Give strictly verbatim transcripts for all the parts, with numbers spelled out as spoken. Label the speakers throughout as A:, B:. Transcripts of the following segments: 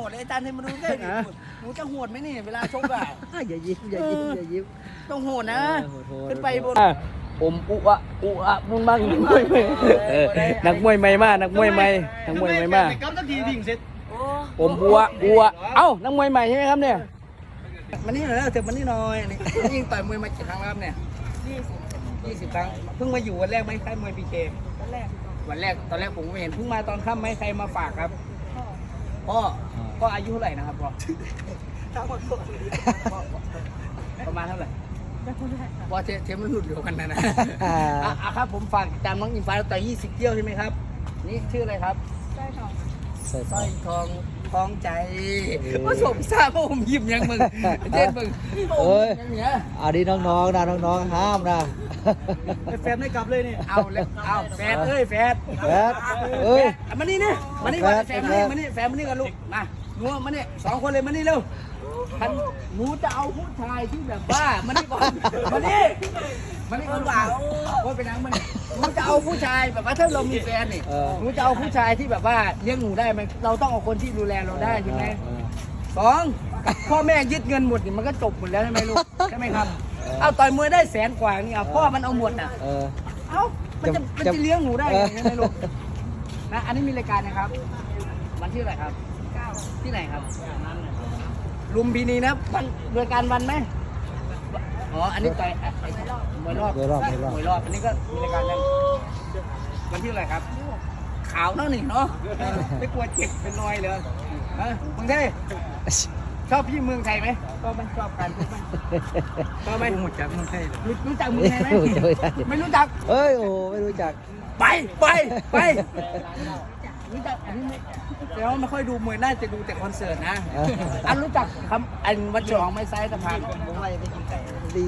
A: ดเลยอาจารย์ให้มาดูใกล้ดิหนูจะโหดไหมนี่เวลาชกอ่ะ
B: อย่ายิ้มอย่ายิ้มอย่ายิ้ม
A: ต้องโหดนะขึ้นไปบน
C: อมอุอะอุอะมึงบ้างนักมวยนักมวยใหม่มากนักมวยใหม่นักมวยใหม่มาก
A: กับสักทีดิ่งเสร็จ
C: อมอุอะอุอะเอ้านักมวยใหม่ใช่ไหมครับเนี่ย
A: มานี่หน่อยนะเถอะมานี่หน่อยนี่ยิงต่อยมวยมากี่ครั้งแล้วเนี่ยยี่สิบครั้งเพิ่งมาอยู่วันแรกไหมค่ายมวยพีเควันแรกวันแรกตอนแรกผมไม่เห็นเพิ่งมาตอนค่ำไหมใครมาฝากครับพ่อพ่ออายุเท่าไหร่นะครับพ่อประมาณเท่าไหร่พอเทมมันหลุดเดียวกันนะนะอ่ะครับผมฝากติดตามน้องอิงฟ้าต่อยี่สิบเที่ยวใช่ไหมครับนี่ชื่ออะไรครับสร้อยทองสร้อยทองทองใจว่าสมทราบว่าผมยิ้มยังมึงเจ็ดมึง
B: เอ้ยอันนี้น้องๆนะน้องๆห้ามนะ
A: แฟนไม่กลับเลยนี่เอาเลยเอาแฟนเอ้ยแฟน
B: แฟนเอ้ย
A: มานี่นี่มานี่ก่อนแฟนมานี่มานี่แฟนมานี่กันลูกมาหนูมานี่สองคนเลยมานี่เร็วท่านหนูจะเอาผู้ชายที่แบบว่ามานี่ก่อนมานี่มานี่ก่อนว่าโอ้ยไปนั่งมานี่หนูจะเอาผู้ชายแบบว่าถ้าเรามีแฟนนี่หนูจะเอาผู้ชายที่แบบว่าเลี้ยงหนูได้ไหมเราต้องเอาคนที่ดูแลเราได้ใช่ไหมสองพ่อแม่ยึดเงินหมดนี่มันก็จบหมดแล้วใช่ไหมลูกใช่ไหมครับเอาต่อยมวยได้แสนกว่านี่เอาพ่อมันเอาหมดอ่ะเอ้ามันจะมันจะเลี้ยงหนูได้ยังไงลูกนะอันนี้มีรายการนะครับวันที่อะไรครับที่ไหนครับลุมพินีนะวันรายการวันไหมอ๋ออันนี้ต่อยมวยรอบ
B: มวยรอบ
A: มวยรอบอันนี้ก็มีรายการนั้นวันที่อะไรครับขาวเนาะนี่เนาะไม่กลัวเจ็บเป็นรอยเลยฮะมึงเท่ชอบพี่เมืองไทยไหมชอบไหมชอบการพูดไหมชอบไหมรู้จักเมืองไทยรู้จักเมืองไทยไหมไม่รู้จัก
B: เอ้ยโอ้ไม่รู้จัก
A: ไปไปไปรู้จักอันนี้ไม่แต่ว่าไม่ค่อยดูมวยน่าจะดูแต่คอนเสิร์ตนะอันรู้จักคำอันวัดฉลองไม้ไซส์สะพานผมว่าจะไปกินไก่
B: ดี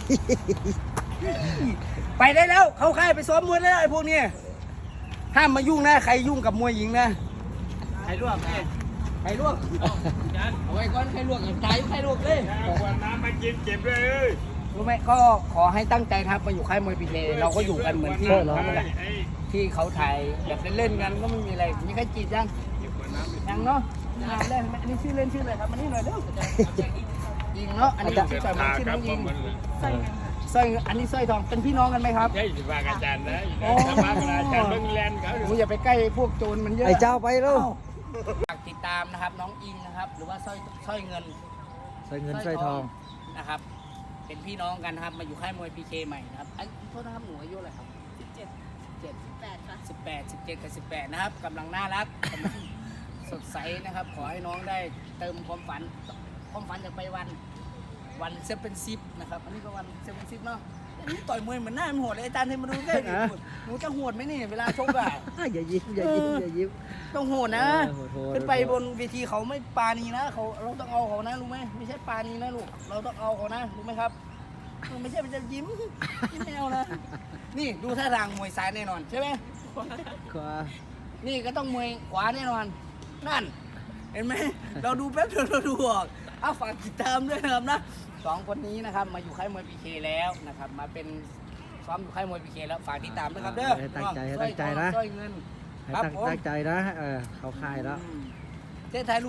A: ไปได้แล้วเข้าค่ายไปซ้อมมวยได้แล้วไอ้พวกนี้ห้ามมายุ่งนะใครยุ่งกับมวยหญิงนะใครลวกใครลวกเอาไว้ก่อนใครลวกตายใครลวกเลย
D: บอกว่าน้ำมากินเจ็บเลย
A: รู้ไหมก็ขอให้ตั้งใจครับมาอยู่ค่ายมวยพีเคเราก็อยู่กันเหมือนที่เราแหละที่เขาถ่ายแบบเล่นๆกันก็ไม่มีอะไรมีใครจีบยังยังเนาะงานแรกอันนี้ชื่อเล่นชื่ออะไรครับมันนี่หน่อยเร็วยิงเนาะอันนี้ชื่อต่อยมันชื่อน้องยิงสร้อยอันนี้สร้อยทองเป็นพี่น้องกันไหมครับ
D: ใช่สิบาอาจารย์นะสบาอาจารย์เบิ้งแลนด์เขา
A: หนูอย่าไปใกล้พวกโจรมันเยอะ
B: ไอ้เจ้าไปแล้ว
A: ฝากติดตามนะครับน้องอิงนะครับหรือว่าสร้อยสร้อยเงิน
B: สร้อยเงินสร้อยทอง
A: นะครับเป็นพี่น้องกันนะครับมาอยู่ค่ายมวยพีเคใหม่นะครับไอ้โทษนะครับหนูอายุอะไรครับสิบเจ็ดเจ็ดสิบแปดค่ะสิบแปดสิบเจ็ดกับสิบแปดนะครับกำลังน่ารักกำลังสดใสนะครับขอให้น้องได้เติมความฝันความฝันจากไปวันวันเซเว่นซิปนะครับอันนี้ก็วันเซเว่นซิปเนาะนี่ต่อยมวยเหมือนหน้ามันโหดเลยอาจารย์ให้มาดูใกล้ดิหนูจะโหดไหมนี่เวลาชกอ่ะ
B: อย่ายิ้มอย่ายิ้มอย่ายิ้ม
A: ต้องโหดนะขึ้นไปบนเวทีเขาไม่ปานีนะเขาเราต้องเอาเขานะรู้ไหมไม่ใช่ปานีนะลูกเราต้องเอาเขานะรู้ไหมครับไม่ใช่เป็นจะยิ้มยิ้มแมวนะนี่ดูท่าทางมวยซ้ายแน่นอนใช่ไหม
B: ขวา
A: นี่ก็ต้องมวยขวาแน่นอนนั่นเห็นไหมเราดูแป๊บเดียวเราดูออกเอาฝากติดตามด้วยนะครับนะสองคนนี้นะครับมาอยู่ค่ายมวยพีเคแล้วนะครับมาเป็นซ้อมอยู่ค่ายมวยพีเคแล้วฝากติดตามด้วยครับเด้อ
B: ตั้งใจตั้งใจนะ
A: สร้อยเงิน
B: ครับตั้งใจนะเออเขาค่ายแล้ว
A: เจ๊ถ่ายรูป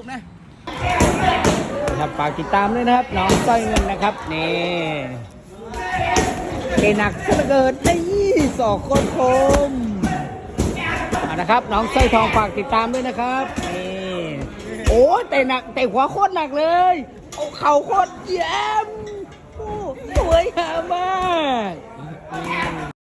A: นะครับฝากติดตามด้วยนะครับน้องสร้อยเงินนะครับนี่เกหนักเสเกิดได้ยี่สองคนคมนะครับน้องสร้อยทองฝากติดตามด้วยนะครับนี่โอ้แต่หนักแต่หัวโคตรหนักเลยโอ้เข่าโคตรเยี่ยมโอ้สวยงามมาก